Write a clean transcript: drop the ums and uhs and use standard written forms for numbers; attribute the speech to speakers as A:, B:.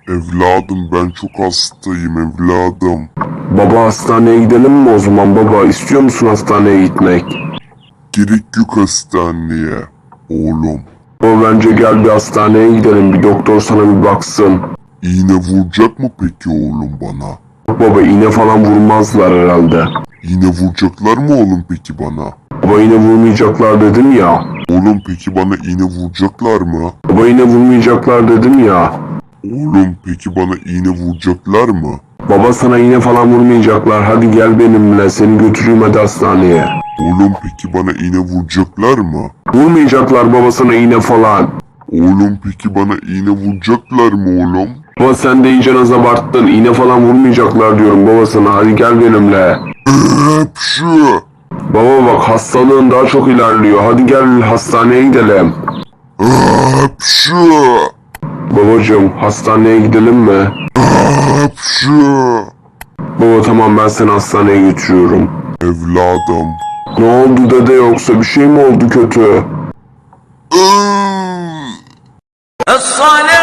A: Evladım ben çok hastayım evladım.
B: Baba hastaneye gidelim mi o zaman baba? İstiyor musun hastaneye gitmek?
A: Gerek yok hastaneye oğlum.
B: Baba bence gel bir hastaneye gidelim. Bir doktor sana bir baksın.
A: İğne vuracak mı peki oğlum bana?
B: Yok baba iğne falan vurmazlar herhalde.
A: İğne vuracaklar mı oğlum peki bana?
B: Baba iğne vurmayacaklar dedim ya.
A: Oğlum peki bana iğne vuracaklar mı?
B: Baba iğne vurmayacaklar dedim ya.
A: Oğlum peki bana iğne vuracaklar mı?
B: Baba sana iğne falan vurmayacaklar. Hadi gel benimle. Seni götüreyim hadi hastaneye.
A: Oğlum peki bana iğne vuracaklar mı?
B: Vurmayacaklar baba sana iğne falan.
A: Oğlum peki bana iğne vuracaklar mı oğlum?
B: Baba sen de iyice az abarttın. İğne falan vurmayacaklar diyorum baba sana. Hadi gel benimle.
A: Hapşı!
B: Baba bak hastalığın daha çok ilerliyor. Hadi gel hastaneye gidelim.
A: Hapşı!
B: Babacığım hastaneye gidelim mi?
A: Hapşı!
B: Baba tamam ben seni hastaneye götürüyorum.
A: Evladım.
B: Ne oldu dede yoksa bir şey mi oldu kötü?
A: Iıı!
C: الصلاة